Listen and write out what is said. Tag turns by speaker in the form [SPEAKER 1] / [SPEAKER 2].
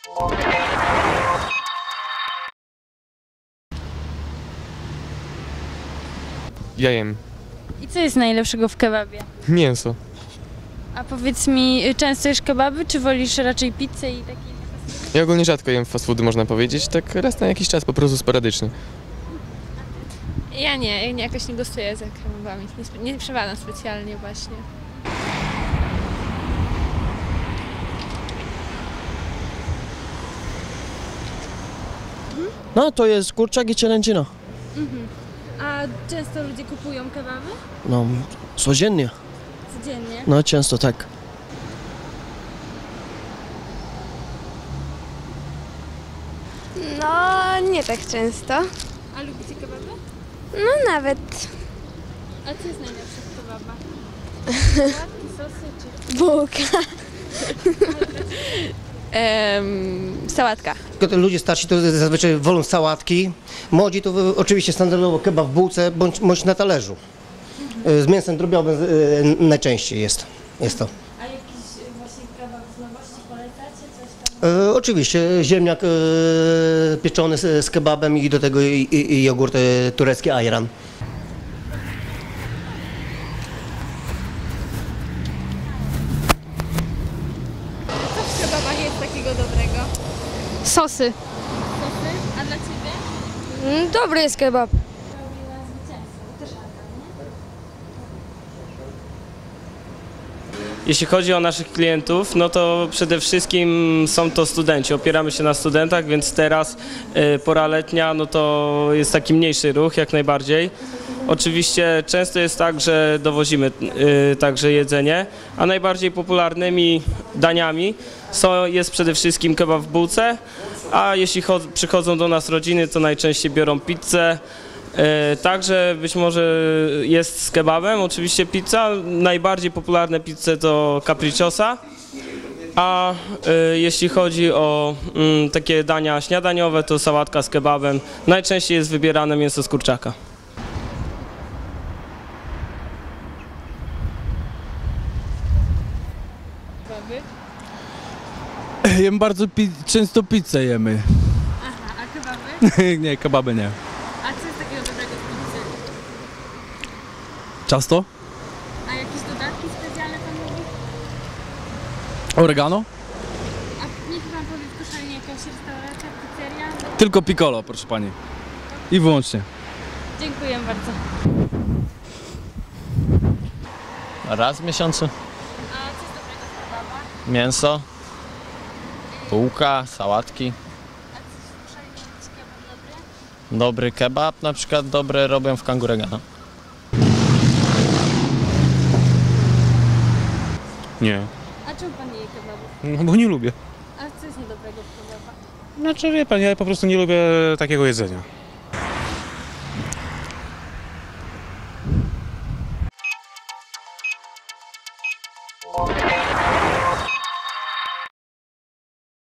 [SPEAKER 1] Ja jem
[SPEAKER 2] I co jest najlepszego w kebabie?
[SPEAKER 1] mięso.
[SPEAKER 2] A powiedz mi, często jesz kebaby, czy wolisz raczej pizzę i takie?
[SPEAKER 1] Ja ogólnie rzadko jem fast foody, można powiedzieć, tak raz na jakiś czas, po prostu sporadycznie.
[SPEAKER 3] Ja jakoś nie gostuję za kebabami, nie przepadam specjalnie właśnie.
[SPEAKER 4] No to jest kurczak i cielęcina.
[SPEAKER 2] A często ludzie kupują kebaby?
[SPEAKER 4] No, codziennie.
[SPEAKER 2] Codziennie.
[SPEAKER 4] No, często tak.
[SPEAKER 5] No, nie tak często.
[SPEAKER 2] A lubicie kebaby?
[SPEAKER 5] No nawet
[SPEAKER 2] A co jest najlepsze w kebabach? Płatki, sosy czy...
[SPEAKER 5] bułka.
[SPEAKER 3] Sałatka.
[SPEAKER 6] Tylko ludzie starsi to zazwyczaj wolą sałatki, młodzi to oczywiście standardowo kebab w bułce bądź na talerzu. Z mięsem drobiowym najczęściej jest to.
[SPEAKER 2] A jakiś właśnie kebab z nowości polecacie? Coś tam?
[SPEAKER 6] Oczywiście ziemniak pieczony z kebabem i do tego i jogurt turecki ayran.
[SPEAKER 3] Co w kebabach jest takiego dobrego?
[SPEAKER 5] Sosy.
[SPEAKER 2] A dla ciebie?
[SPEAKER 5] Dobry jest kebab.
[SPEAKER 7] Jeśli chodzi o naszych klientów, no to przede wszystkim są to studenci. Opieramy się na studentach, więc teraz pora letnia, no to jest taki mniejszy ruch jak najbardziej. Oczywiście często jest tak, że dowozimy także jedzenie, a najbardziej popularnymi daniami jest przede wszystkim kebab w bułce, a jeśli przychodzą do nas rodziny, to najczęściej biorą pizzę. Także być może jest z kebabem, oczywiście pizza. Najbardziej popularne pizze to capricciosa, a jeśli chodzi o takie dania śniadaniowe, to sałatka z kebabem. Najczęściej jest wybierane mięso z kurczaka.
[SPEAKER 8] Jem bardzo często pizzę jemy.
[SPEAKER 2] Aha, a kebaby?
[SPEAKER 8] Nie, kebaby nie.
[SPEAKER 2] A co jest takiego dobrego w pizzy?
[SPEAKER 8] Ciasto?
[SPEAKER 2] A jakieś dodatki specjalne pan lubi?
[SPEAKER 8] Oregano?
[SPEAKER 2] A niech pan powie w Koszalinie jakaś restauracja, pizzeria?
[SPEAKER 8] Tylko piccolo, proszę pani. I wyłącznie.
[SPEAKER 2] Dziękuję bardzo.
[SPEAKER 9] Raz w miesiącu.
[SPEAKER 2] A co jest dobrego w kebabach?
[SPEAKER 9] Mięso, bułka, sałatki.
[SPEAKER 2] A co w Koszalinie jakiś kebab dobry?
[SPEAKER 9] Dobry kebab na przykład dobre robią w Kanguregana.
[SPEAKER 10] Nie,
[SPEAKER 2] A czemu pan nie je kebabów?
[SPEAKER 10] no bo nie lubię.
[SPEAKER 2] A co jest niedobrego w kebabach?
[SPEAKER 10] Znaczy wie pan, ja po prostu nie lubię takiego jedzenia.
[SPEAKER 1] Thank you.